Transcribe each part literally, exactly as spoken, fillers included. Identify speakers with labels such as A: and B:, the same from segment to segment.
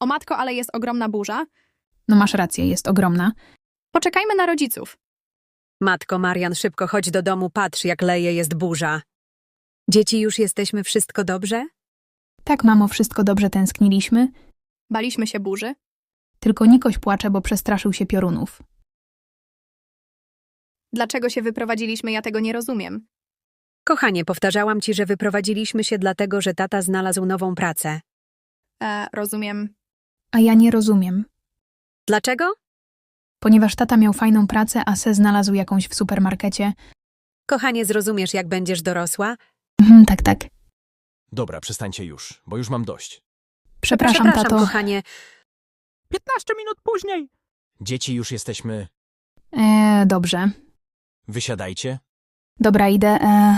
A: O matko, ale jest ogromna burza.
B: No masz rację, jest ogromna.
A: Poczekajmy na rodziców.
C: Matko, Marian, szybko chodź do domu, patrz, jak leje, jest burza. Dzieci, już jesteśmy, wszystko dobrze?
B: Tak, mamo, wszystko dobrze, tęskniliśmy.
A: Baliśmy się burzy.
B: Tylko Nikoś płacze, bo przestraszył się piorunów.
A: Dlaczego się wyprowadziliśmy, ja tego nie rozumiem.
C: Kochanie, powtarzałam ci, że wyprowadziliśmy się dlatego, że tata znalazł nową pracę.
A: E, rozumiem.
B: A ja nie rozumiem.
C: Dlaczego?
B: Ponieważ tata miał fajną pracę, a se znalazł jakąś w supermarkecie.
C: Kochanie, zrozumiesz, jak będziesz dorosła?
B: Mhm, tak, tak.
D: Dobra, przestańcie już, bo już mam dość.
B: Przepraszam,
C: Przepraszam,
B: tato.
C: kochanie.
E: piętnaście minut później.
D: Dzieci, już jesteśmy...
B: Eee, dobrze.
D: Wysiadajcie.
B: Dobra, idę. Eee...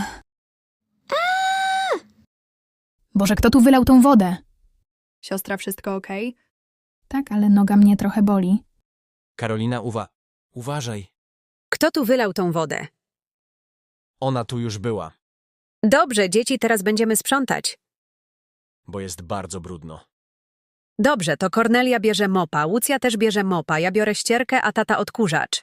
B: Boże, kto tu wylał tą wodę?
A: Siostra, wszystko okej?
B: Tak, ale noga mnie trochę boli.
D: Karolina, uwa... Uważaj.
C: Kto tu wylał tą wodę?
D: Ona tu już była,
C: Dobrze, dzieci, teraz będziemy sprzątać.
D: bo jest bardzo brudno.
C: Dobrze, to Kornelia bierze mopa, Łucja też bierze mopa, ja biorę ścierkę, a tata odkurzacz.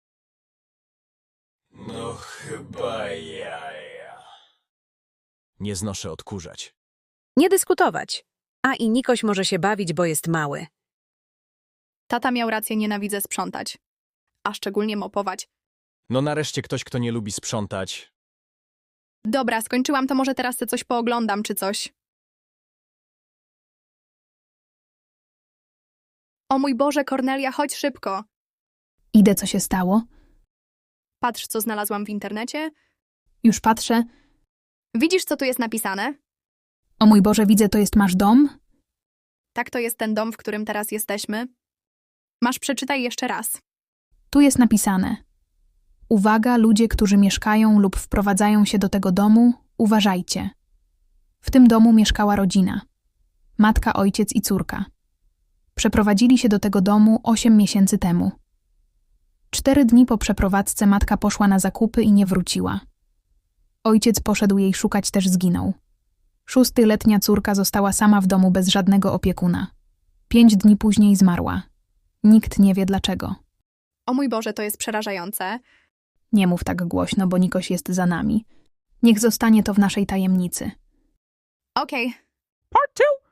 D: No chyba jaja. Nie znoszę odkurzać.
C: Nie dyskutować. A i Nikoś może się bawić, bo jest mały.
A: Tata miał rację, nienawidzę sprzątać. A szczególnie mopować.
D: No nareszcie ktoś, kto nie lubi sprzątać.
A: Dobra, skończyłam, to może teraz sobie coś pooglądam czy coś. O mój Boże, Kornelia, chodź szybko.
B: Idę, co się stało.
A: Patrz, co znalazłam w internecie.
B: Już patrzę.
A: Widzisz, co tu jest napisane?
B: O mój Boże, widzę, to jest masz dom?
A: Tak, to jest ten dom, w którym teraz jesteśmy. Masz, przeczytaj jeszcze raz.
B: Tu jest napisane. Uwaga, ludzie, którzy mieszkają lub wprowadzają się do tego domu, uważajcie. W tym domu mieszkała rodzina. Matka, ojciec i córka. Przeprowadzili się do tego domu osiem miesięcy temu. Cztery dni po przeprowadzce matka poszła na zakupy i nie wróciła. Ojciec poszedł jej szukać, też zginął. Szóstyletnia córka została sama w domu bez żadnego opiekuna. Pięć dni później zmarła. Nikt nie wie dlaczego.
A: O mój Boże, to jest przerażające.
B: Nie mów tak głośno, bo Nikoś jest za nami. Niech zostanie to w naszej tajemnicy.
A: Okej,
E: Part two.